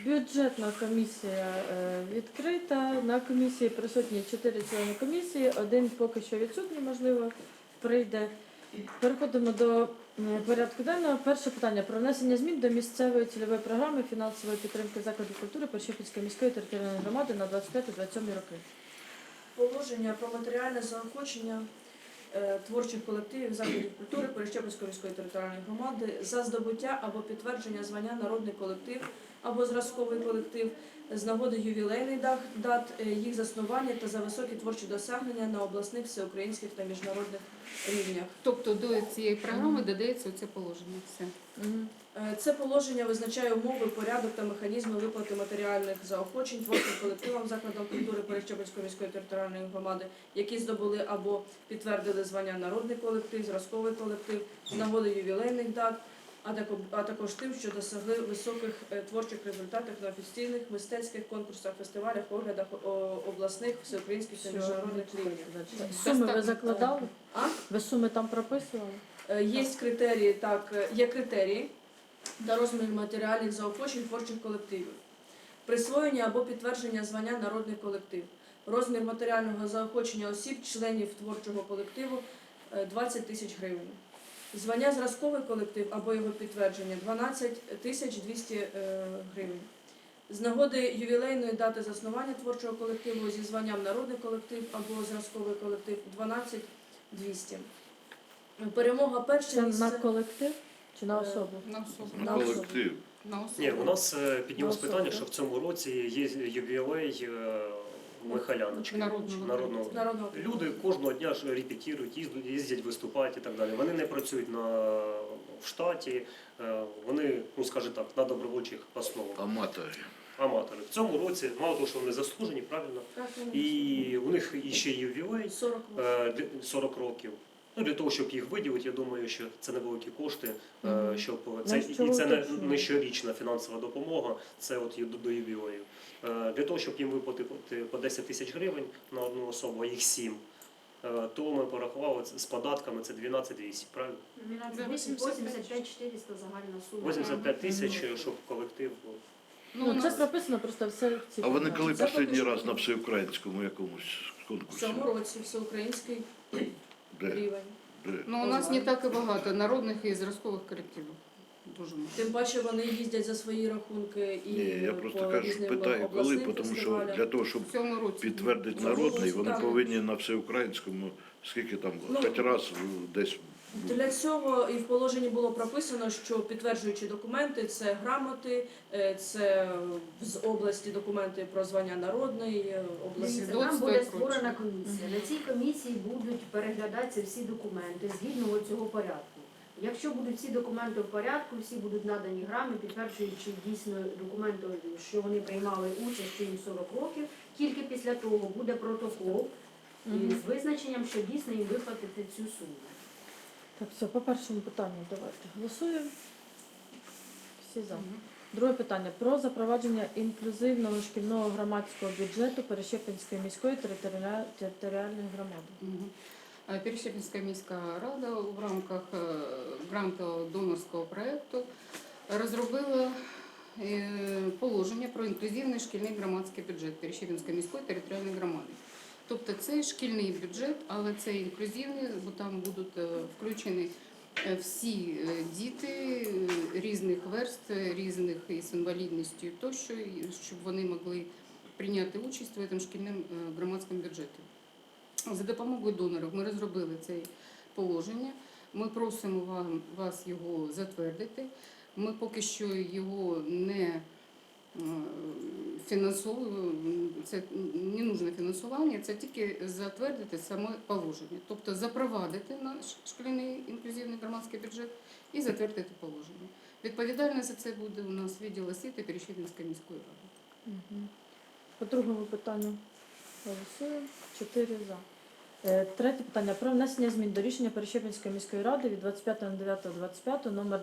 Бюджетна комісія відкрита. На комісії присутні 4 члени комісії, один поки що відсутній, можливо, прийде. Переходимо до порядку денного. Перше питання про внесення змін до місцевої цільової програми фінансової підтримки закладів культури Перещепінської міської територіальної громади на 25-27 роки. Положення про матеріальне заохочення творчих колективів закладів культури Перещепінської міської територіальної громади за здобуття або підтвердження звання народний колектив або зразковий колектив з нагоди ювілейних дат їх заснування та за високі творчі досягнення на обласних, всеукраїнських та міжнародних рівнях. Тобто до цієї програми додається оце положення. Все. Це положення визначає умови, порядок та механізми виплати матеріальних заохочень творчим колективам закладам культури Перещепінської міської територіальної громади, які здобули або підтвердили звання народний колектив, зразковий колектив з нагоди ювілейних дат, а також тим, що досягли високих творчих результатів на офіційних мистецьких конкурсах, фестивалях, оглядах обласних, всеукраїнських та міжнародних рівнях. Суми ви закладали? А? Ви суми там прописували? Є критерії, так, є критерії та розмір матеріальних заохочень творчих колективів. Присвоєння або підтвердження звання народний колектив. Розмір матеріального заохочення осіб, членів творчого колективу 20 тисяч гривень. Звання зразковий колектив або його підтвердження 12 тисяч 200 гривень. З нагоди ювілейної дати заснування творчого колективу зі званням народний колектив або зразковий колектив 12 200. Перемога перше Це місце. на колектив чи на особу? На особу. На Колектив. На особу. Ні, у нас піднялось особу. питання, що в цьому році є ювілей Михайляночки, народного. Народного. Люди кожного дня ж репетирують, їздять виступати і так далі. Вони не працюють в штаті, вони, ну скажімо так, на добровольчих основах. Аматори. В цьому році, мало того, що вони заслужені, правильно, і у них ще ювілей 40 років. Ну, для того, щоб їх виділити, я думаю, що це невеликі кошти, щоб це, і це не щорічна фінансова допомога, це от до ювілею. Для того, щоб їм виплатити по 10 тисяч гривень на одну особу, а їх 7, то ми порахували з податками, це 12 200, правильно? 85 400 загальна сума. 85 тисяч, щоб колектив був. Ну, це прописано просто все ці. А вони коли Це останній поки раз що. на всеукраїнському якомусь В конкурсі? цьому році всеукраїнський Де? рівень. Де? Ну, у нас не так і багато народних і зразкових колективів. Дуже мало. Тим паче вони їздять за свої рахунки і Ні, я просто по кажу, різним питаю, коли, обласним тому що фестивалям. для того, щоб В цьому році. підтвердити Ну, народний, вони так. повинні на всеукраїнському, скільки там, Ну, хоч раз десь. Для цього і в положенні було прописано, що підтверджуючі документи – це грамоти, це з області документи про звання народний, області. Дивіться, Свідоцтво там і буде прочее. створена комісія. На цій комісії будуть переглядатися всі документи згідно цього порядку. Якщо будуть всі документи в порядку, всі будуть надані грами, підтверджуючи дійсно документи, що вони приймали участь, що їм 40 років, тільки після того буде протокол з визначенням, що дійсно їм виплатити цю суму. Так, все, по першому питанню давайте голосуємо. Всі за. Друге питання. Про запровадження інклюзивного шкільного громадського бюджету Перещепінської міської територіальної громади. Перещепінська міська рада в рамках грантово-донорського проєкту розробила положення про інклюзивний шкільний громадський бюджет Перещепінської міської територіальної громади. Тобто це шкільний бюджет, але це інклюзивний, бо там будуть включені всі діти різних верств, різних із інвалідністю тощо, щоб вони могли прийняти участь в цьому шкільному громадському бюджеті. За допомогою донорів ми розробили це положення. Ми просимо вас його затвердити. Ми поки що його не фінансовуємо, це не нужне фінансування, це тільки затвердити саме положення. Тобто запровадити наш шкільний інклюзивний громадський бюджет і затвердити положення. Відповідальна за це буде у нас відділ освіти Перещепінської міської ради. По другому питанню голосуємо. 4 за. Третє питання. Про внесення змін до рішення Перещепінської міської ради від 25.09.25 номер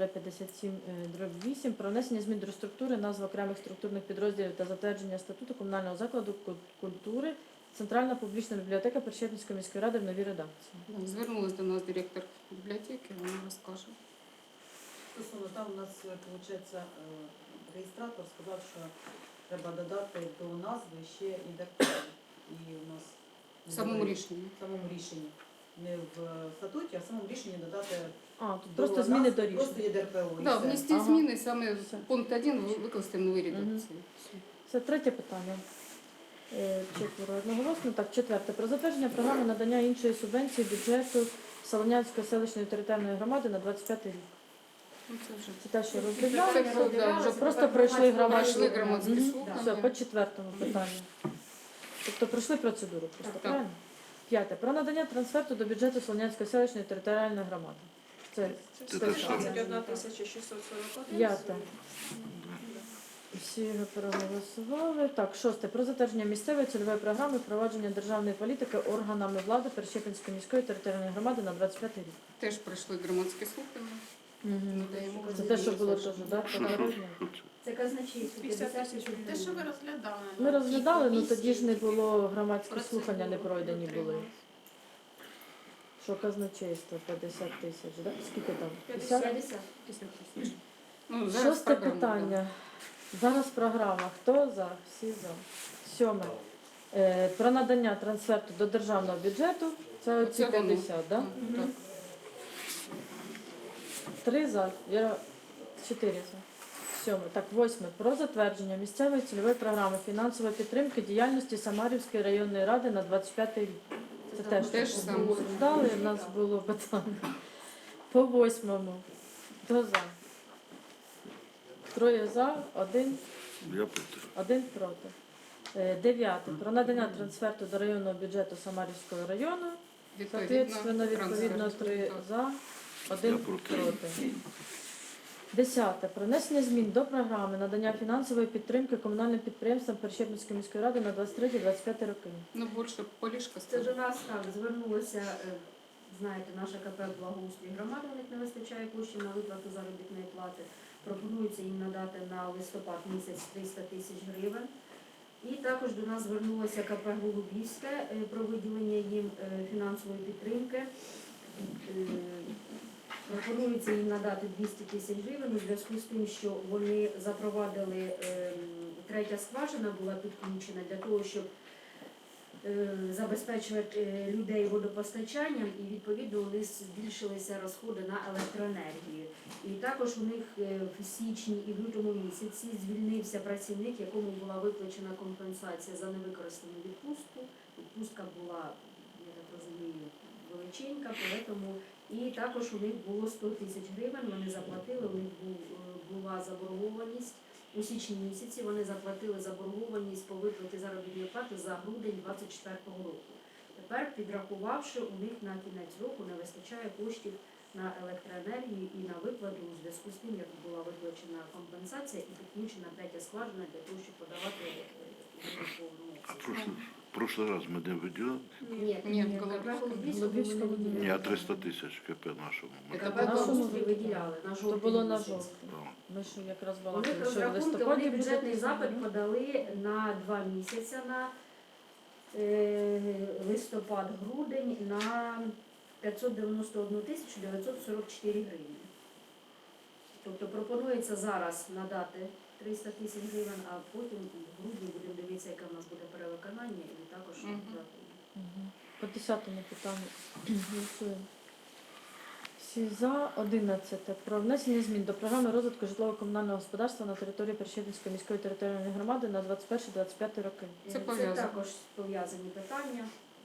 9-57/8 про внесення змін до структури, назв окремих структурних підрозділів та затвердження статуту комунального закладу культури Центральна публічна бібліотека Перещепінської міської ради в новій редакції. Звернулася до нас директор бібліотеки, вона розкаже. Стосовно там у нас виходить реєстратор сказав, що треба додати до назви ще і ДРПО. І у нас В самому рішенні. в самому рішенні. Не в статуті, а в самому рішенні додати А, тут до просто зміни назв- до рішення. Просто є ДРПО. і Да, все. внести Ага. зміни саме Все. в пункт 1 викласти в новій редакції. Все. Це третє питання. Четверо одноголосно. Так, четверте. Про затвердження програми надання іншої субвенції бюджету Солонянської селищної територіальної громади на 25 рік. Ну, це вже Це те, що Це розглядали. все, да, вже Просто пройшли громадські пройшли громадські Мгм. слухання. Все, по четвертому питанню. Тобто пройшли процедуру просто, Так. правильно? П'яте. Про надання трансферту до бюджету Солонянської селищної територіальної громади. Це Це те те ж саме. саме. 21 641. П'яте. Всі його проголосували. Так, шосте. Про затвердження місцевої цільової програми впровадження державної політики органами влади Перещепинської міської територіальної громади на 25 рік. теж пройшли громадські слухання. Надаємо Це те, що було теж, так? Що це? Це казначейство 50 тисяч Те, що ви гривень. розглядали. Ми розглядали, але але тоді ж не було громадські слухання, не пройдені були. Що казначейство 50 тисяч, так? Скільки там? 50? 50. Ну, зараз Шосте програма, питання. Зараз програма. Хто за? Всі за. Сьоме. Про надання трансферту до державного бюджету. Це оці Оце воно. 50, так? Так. 3 за. Віра 4 за. Сьоме. Так, восьме. Про затвердження місцевої цільової програми фінансової підтримки діяльності Самарівської районної ради на 25 рік. Це теж Те ж саме. обсуждали, в нас було питання. По восьмому. Хто за? 3 за, 1 Я проти. один проти. Дев'яте. Про надання трансферту до районного бюджету Самарівського району. Соответственно, відповідно 3 за, 1 Я проти. проти. Десяте. Про внесення змін до програми надання фінансової підтримки комунальним підприємствам Перещепинської міської ради на 23-25 роки. Ну, більше полішка Це до стала. нас так звернулося, знаєте, наша КП «Благоустрій громади», у них не вистачає коштів на виплату заробітної плати. Пропонується їм надати на листопад місяць 300 тисяч гривень. І також до нас звернулося КП «Голубівське» про виділення їм фінансової підтримки. Пропонується їм надати 200 тисяч гривень у зв'язку з тим, що вони запровадили, третя скважина була підключена для того, щоб забезпечувати людей водопостачанням, і відповідно у них збільшилися розходи на електроенергію. І також у них в січні і в лютому місяці звільнився працівник, якому була виплачена компенсація за невикористану відпустку. Відпустка була, я так розумію, величенька, тому і також у них було 100 тисяч гривень, вони заплатили, у них була заборгованість. У січні місяці вони заплатили заборгованість по виплаті заробітної плати за грудень 2024 року. Тепер, підрахувавши, у них на кінець року не вистачає коштів на електроенергію і на виплату у зв'язку з тим, як була виплачена компенсація і підключена третя скважина для того, щоб подавати Прошлий раз ми не виділяли. Ні, КП Голубівському «Голубівському» не Ні, а 300 тисяч КП нашому. Ми Це КП нашому «Благоустрій» виділяли на То жовтий було на місяць. жовтий. там. Ми ж якраз У балакали, них що в розрахунки, листопаді вони буде бюджетний писано, запит да? подали на 2 місяці, на листопад-грудень, на 591 тисячу 944 гривні. Тобто пропонується зараз надати 300 тисяч гривень, а потім в грудні будемо дивитися, яке в нас буде перевиконання, і також Мгм. дати. Мгм. По 10-му питанню голосуємо. Всі за. 11. Про внесення змін до програми розвитку житлово-комунального господарства на території Перещепинської міської територіальної громади на 21-25 роки. Це Це пов'язано. також пов'язані питання.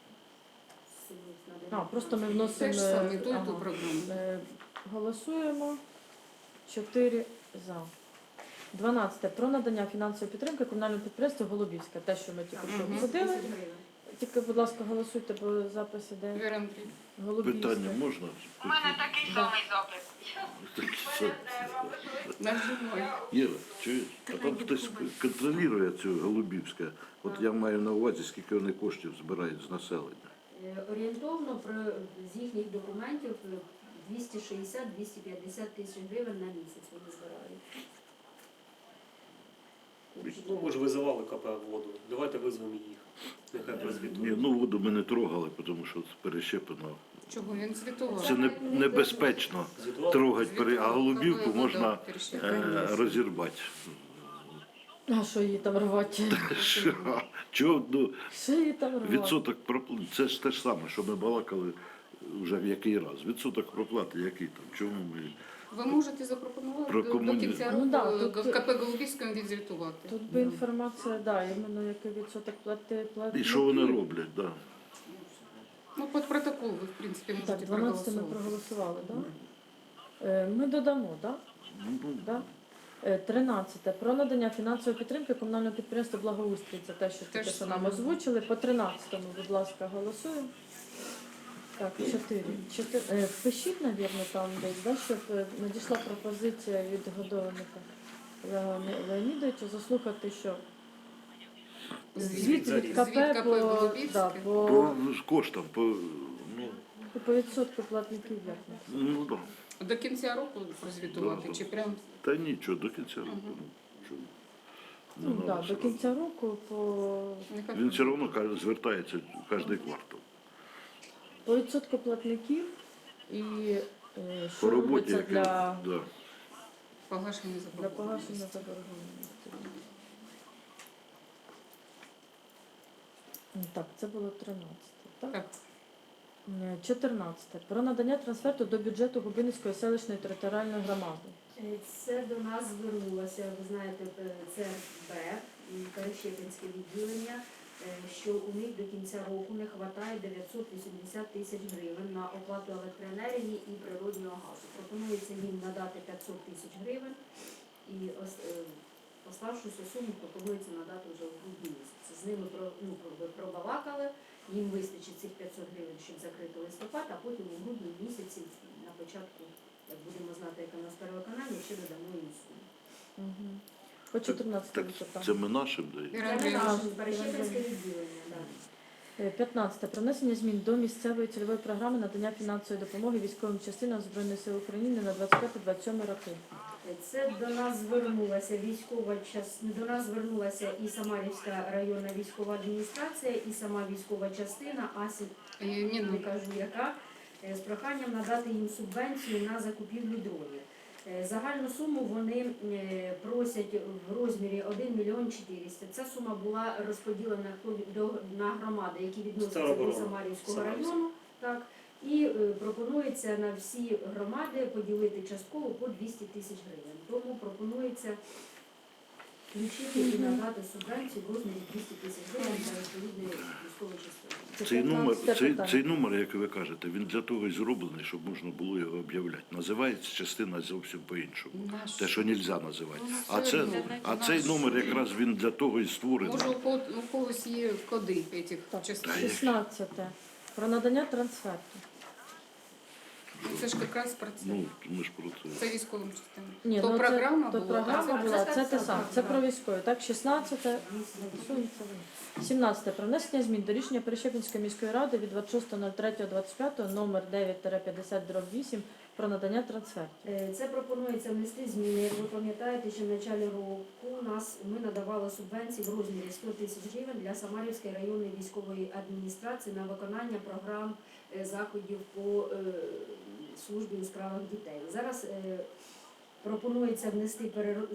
А, просто ми Те вносимо. ж саме, ту і ага. ту програму. Голосуємо. 4 за. 12. Про надання фінансової підтримки комунальному підприємству Голубівське. Те, що ми тільки що Мгм. обсудили. 10 гривень. Тільки, будь ласка, голосуйте, бо запис іде Віра Андрій. Голубівське. Питання можна? У мене такий Да. самий запит. Нажимай. Єва, чуєш? А там хтось контролює цю Голубівське. От я маю на увазі, скільки вони коштів збирають з населення. Орієнтовно з їхніх документів 260-250 тисяч гривень на місяць вони збирають. Ну, ми ж визивали КП воду. Давайте визвемо їх. Нехай Ні, прозвітують. ну воду ми не трогали, тому що це перещеплено. Чого він звітував? Це небезпечно Звітували? трогати, а голубівку Звітувала, можна да, перещеплення. розірвати А що її там рвати? Що? Чого, ну, Що її там рвати? відсоток проплати, це ж те ж саме, що ми балакали вже в який раз. Відсоток проплати який там? Чому ми... Ви можете запропонувати Про до кінця Ну, року да, тут- в КП Голубівському відзвітувати. Тут би інформація, да, іменно який відсоток плати. І що вони роблять, да. Ну, під протокол ви, в принципі, Так, можете 12 ми проголосувати. проголосували, так? Ми додамо, так? Ну, Да? 13. Про надання фінансової підтримки комунального підприємства «Благоустрій». Це те, що Те тільки ж що нам саме. озвучили. По 13-му, будь ласка, голосуємо. Так, 4. Впишіть, мабуть, там десь, да, щоб надійшла пропозиція від Годованика Олега Леонідовича заслухати, що звіт від КП Звіт КП по, Голубівське. да, по коштам, по, ну, по відсотку платників як не. ну, да. До кінця року прозвітувати, Да. чи прям Та нічого, до кінця року. Мгм. Чого? Не Ну, надо да, до сразу. кінця року по нехай Він все одно звертається кожен квартал. По відсотку платників і По що роботі, робиться яка, для да. погашення погашення заборгованості. заборгованості. Так, це було 13, так? Так. 14. Про надання трансферту до бюджету Губинської селищної територіальної громади. Це до нас звернулося, ви знаєте, ЦРБ, Перещепинське відділення, що у них до кінця року не вистачає 980 тисяч гривень на оплату електроенергії і природнього газу. Пропонується їм надати 500 тисяч гривень і оставшуюся суму пропонується надати вже в грудні місяці. З ними пробалакали, їм вистачить цих 500 гривень, щоб закрити листопад, а потім у грудні місяці на початку, як будемо знати, яке у нас перевиконання, ще додамо їм суму. Угу. По 14 Так, висота. це ми нашим даємо. Це не Ірина наше Перещепинське відділення, так. 15. Про внесення змін до місцевої цільової програми надання фінансової допомоги військовим частинам Збройних сил України на 25-27 роки. Це до нас звернулася до нас звернулася і Самарівська районна військова адміністрація, і сама військова частина, не кажу яка, з проханням надати їм субвенцію на закупівлю дронів. Загальну суму вони просять в розмірі 1 мільйон 400. Ця сума була розподілена на громади, які відносяться до Самарівського району. Так. І пропонується на всі громади поділити частково по 200 тисяч гривень. Тому пропонується включити і надати субвенцію в розмірі 200 тисяч гривень для відповідної військової частини. Цей номер, як ви кажете, він для того і зроблений, щоб можна було його об'являти. Називається частина зовсім по-іншому. Те, що не можна називати. А цей номер якраз він для того і створений. Може, у когось є коди цих Так, частин. 16. Про надання трансферту. Це ж якраз про це. Ну, ми ж про це. Це військовим частинам. Ні, То ну, програма це, була, то програма а це була, це це те так, саме. так, Це так. про військові. Так, 16. Голосуємо, це воно. 17. Про внесення змін до рішення Перещепинської міської ради від 26.03.25 номер 9-50/8 про надання трансфертів. Це пропонується внести зміни. Як ви пам'ятаєте, що в початку року ми надавали субвенції в розмірі 100 тисяч гривень для Самарівської районної військової адміністрації на виконання програм заходів по службі у справах дітей. Зараз пропонується внести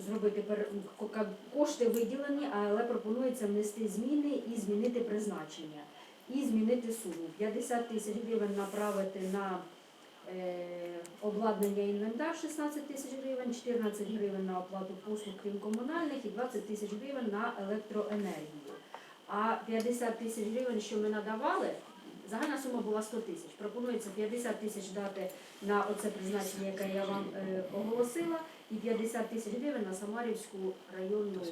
кошти виділені, але пропонується внести зміни і змінити призначення. І змінити суму. 50 тисяч гривень направити на обладнання інвентар 16 тисяч гривень, 14 гривень на оплату послуг крім комунальних і 20 тисяч гривень на електроенергію. А 50 тисяч гривень, що ми надавали, загальна сума була 100 тисяч. Пропонується 50 тисяч дати на оце призначення, яке я вам оголосила, і 50 тисяч гривень на Самарівську районну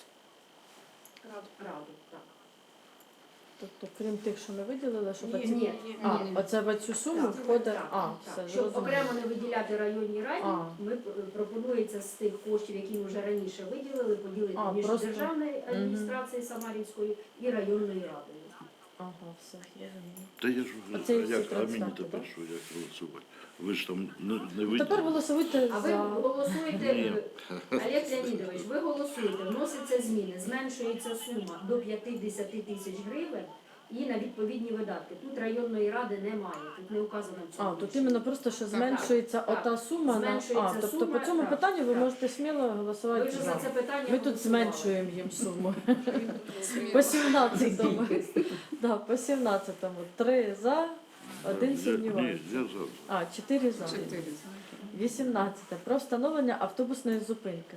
раду. Так. Тобто, крім тих, що ми виділили, щоб Ні. оце в цю суму Так, входить. так, А, так. все, Щоб зрозуміло. окремо не виділяти районній раді, А. ми пропонується з тих коштів, які ми вже раніше виділили, поділити між просто- державною адміністрацією Самарівською і районною радою. Ага, все, зрозуміло. Та я ж Оце і всі а мені трансферти, тепер да? що, як голосувати? Ви ж там не Тепер виділи. голосуйте А ви за. голосуєте, Ні. Олег Леонідович, ви голосуєте, вносяться зміни, зменшується сума до 50 тисяч гривень і на відповідні видатки. Тут районної ради немає, тут не указано в цьому. А, тут рішенні. іменно просто, що Так, зменшується так. ота сума. Зменшується Тобто сума, по цьому так, питанню ви так. можете сміло Ви голосувати вже за. за це питання Ми тут голосували. зменшуємо їм суму. По 17-му. Да, по 17-му. 3 за, 1 Ні, сумнівається. я за. А, 4 за. 4. 18. Про встановлення автобусної зупинки.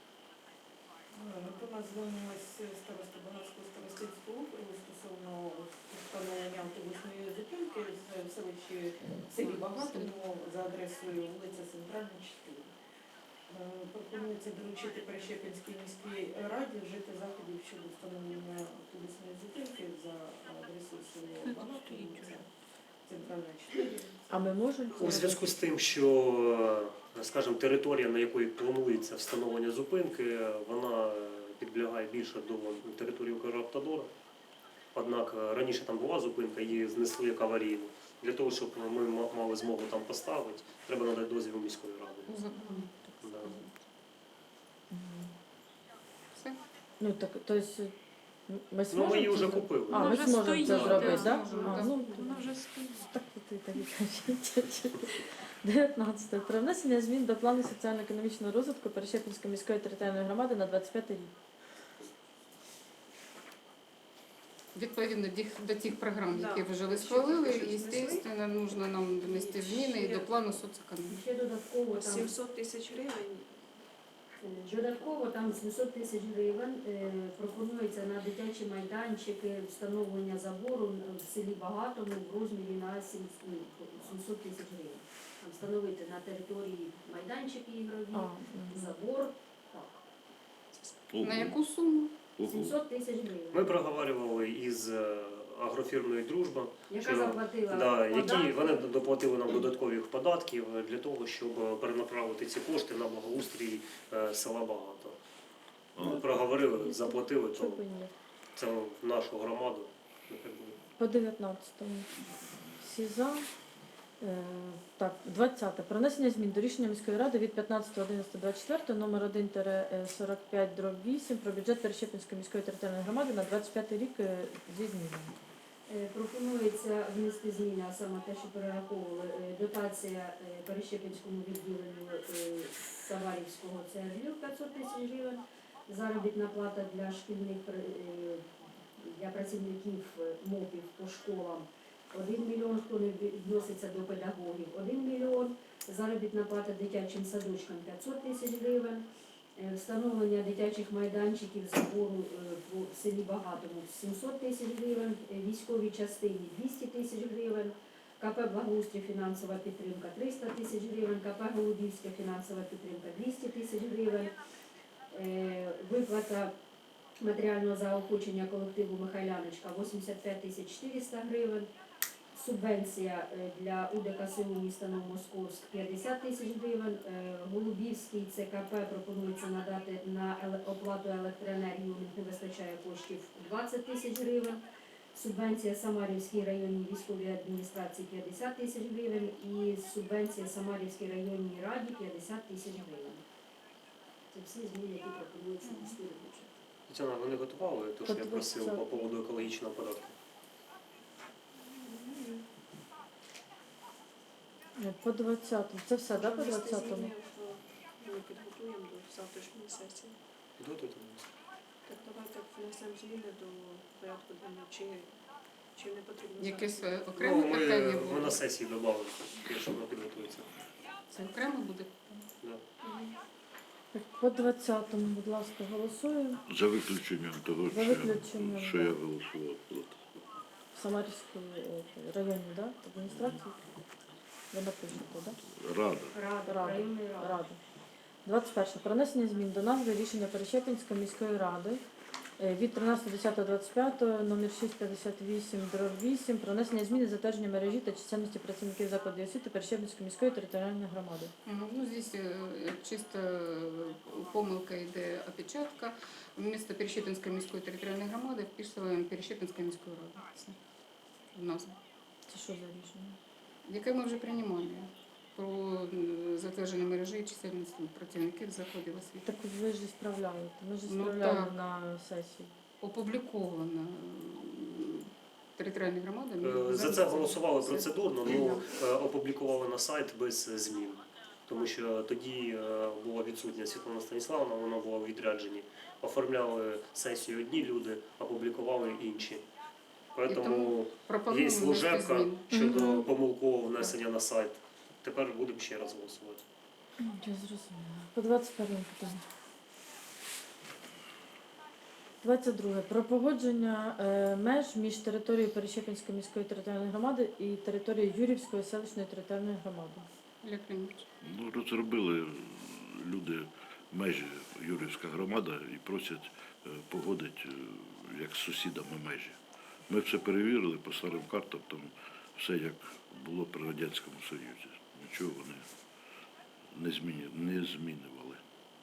До нас звернулась староста Богатського старостинського округу стосовно встановлення автобусної зупинки в селі Багатому за адресою вулиця Центральна, 4. Пропонується доручити Перещепинській міській раді вжити заходів щодо встановлення автобусної зупинки за адресою село Багатому, вулиця Центральна, 4. А ми можемо У це зв'язку з тим, що, скажімо, територія, на якої планується встановлення зупинки, вона підлягає більше до території Укравтодора. Однак раніше там була зупинка, її знесли як аварійну. Для того, щоб ми мали змогу там поставити, треба надати дозвіл міської ради. Да. Все. Ну так, то есть ми Ну, зможемо ми її це вже зробити? купили. А, Вона ми вже зможемо стоїть, це зробити, да, так? зможемо, А, да. ну, Вона вже стоїть. так і так і кажіть. 19. Про внесення змін до плану соціально-економічного розвитку Перещепінської міської територіальної громади на 25 рік. Відповідно до тих програм, Да. які вже ви Ще схвалили, тільки що знесли. звісно, нужно нам внести зміни і до плану соцекономіки. Ще додатково там 700 тисяч гривень. Додатково там 700 тисяч гривень пропонується на дитячі майданчики встановлення забору в селі Багатому в розмірі на 700 тисяч гривень. Там встановити на території майданчики ігрові, забор. Так. На яку суму? 700 тисяч Ми гривень. проговорювали із агрофірмою «Дружба», Яка що- заплатила да, які податки. вони доплатили нам додаткових податків для того, щоб перенаправити ці кошти на благоустрій села Багато. Ми проговорили, заплатили, то Чого б і ні? це в нашу громаду. нехай буде. По 19-му. Всі за. Так, 20. Про внесення змін до рішення міської ради від 15.11.24 номер 1-45/8 про бюджет Перещепінської міської територіальної громади на 25 рік зі змінами. Пропонується внести зміни, а саме те, що перераховували, дотація Перещепінському відділенню Саварівського ЦРЛ 500 тисяч гривень, заробітна плата для шкільних для працівників МОПів по школам 1 мільйон, хто не відноситься до педагогів 1 мільйон, заробітна плата дитячим садочкам 500 тисяч гривень, встановлення дитячих майданчиків забору в селі Багатому 700 тисяч гривень, військовій частині 200 тисяч гривень, КП «Благоустрій» фінансова підтримка 300 тисяч гривень, КП «Голубівська» фінансова підтримка 200 тисяч гривень, виплата матеріального заохочення колективу Михайляночка 85 тисяч 400 гривень, субвенція для УДКСУ міста Новомосковськ 50 тисяч гривень, Голубівський ЦКП пропонується надати на оплату електроенергії, у них не вистачає коштів 20 тисяч гривень, субвенція Самарівській районній військовій адміністрації 50 тисяч гривень і субвенція Самарівській районній раді 50 тисяч гривень. Це всі зміни, які пропонуються в міський бюджет. Тетяна, вони готували те, що я просив по поводу екологічного податку? По 20-му. Це все, так, по Внести 20-му? зміни ми підготуємо до завтрашньої сесії. Підготуйте. Так давайте внесемо зміни до порядку денного. Чи не потрібно Якесь зараз? окреме питання Ми буде? на сесії додали, якщо воно підготується. Це окремо буде? Да. По 20-му, будь ласка, голосуємо. За виключенням того, За виключенням, що да. я голосував проти. В Самарівській районній, да? Адміністрації. Ви напишете, так? Рада. Рада, Рада. районної ради. Рада. 21. Про внесення змін до назви рішення Перещепінської міської ради від 13.10.25 номер 658/8 про внесення змін і затвердження мережі та чисельності працівників закладів освіти Перещепінської міської територіальної громади. Ну, здесь чисто помилка йде опечатка. Вместо Перещепінської міської територіальної громади вписуємо Перещепінська міська рада. Все. В назву. Це що за рішення? Яке ми вже приймали про затвердження мережі і чисельності працівників закладів освіти. Так ви ж справляєте. Ми ж Ну, справляли так. на сесії. Опубліковано. територіальні громади. За це голосували процедурно, ну опублікували на сайт без змін. Тому що тоді була відсутня Світлана Станіславовна, вона була у відрядженні. Оформляли сесію одні люди, опублікували інші. Тому є служебка щодо помилкового внесення на сайт. Тепер будемо ще раз голосувати. Я зрозуміла. По 21 питання. 22. Про погодження меж між територією Перещепінської міської територіальної громади і територією Юрівської селищної територіальної громади. Олег Леонідович. Ну, розробили люди межі Юрівська громада і просять погодити як з сусідами межі. Ми все перевірили по старим картам, там все як було при Радянському Союзі. Нічого вони не змінювали.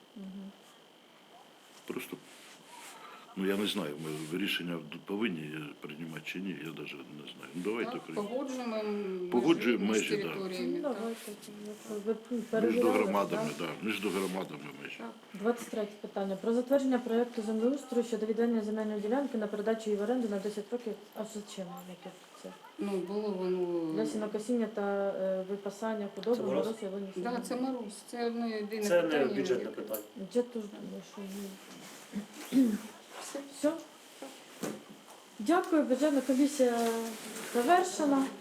Просто, ну я не знаю, ми рішення повинні приймати чи ні, я навіть не знаю. Ну, давайте Так, приймемо. погоджуємо Погоджуємо межі межі, між да. територіями. Ну, так. давайте. Ви Між перевіряли, громадами, так? да, між громадами межі. Так. 23 питання. Про затвердження проєкту землеустрою щодо відведення земельної ділянки на передачу її в оренду на 10 років. А зачем яке це? Ну, було воно... Для сінокосіння та випасання худоби, Це мороз? мороз, ялині. Да, це Марусь, це одне єдине Це не питання. бюджетне яке- питання. Я теж думаю, що ні. Все? Дякую, бюджетна комісія завершена.